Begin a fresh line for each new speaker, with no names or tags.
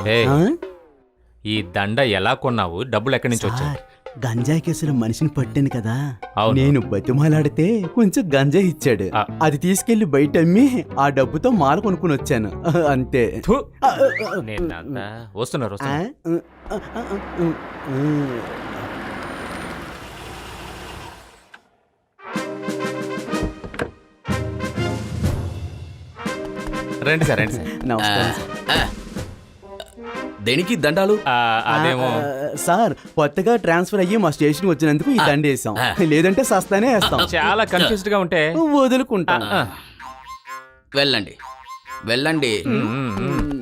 ఏయ్,
ఆ?
ఈ దండ ఎలా కొన్నావు? డబ్బులు ఎక్కడి నుంచి వచ్చాయి?
సార్, గంజాయి కేసులో మనిషిని పట్టాను కదా,
అవును.
నేను బతిమాలాడితే కొంచెం గంజాయి ఇచ్చాడు.
ఆ.
అది తీసుకెళ్లి బయట అమ్మి ఆ డబ్బుతో మాల కొనుక్కుని వచ్చాను. అంతే.
థు,
ఆ,
నేనంతా వస్తున్నారు
ఆ,
వస్తున్నారు. రండి సార్ రండి సార్.
నమస్కారం సార్.
దేనికి దండాలు?
అదేమో
సార్, కొత్తగా ట్రాన్స్ఫర్ అయ్యి మా స్టేషన్ వచ్చినందుకు ఈ దండ వేసాం. లేదంటే సస్తానే వేస్తాం.
చాలా కన్ఫ్యూజ్డ్ గా ఉంటే
వదులుకుంటాం.
వెళ్ళండి వెళ్ళండి.
మ్మ్, మ్మ్, మ్మ్.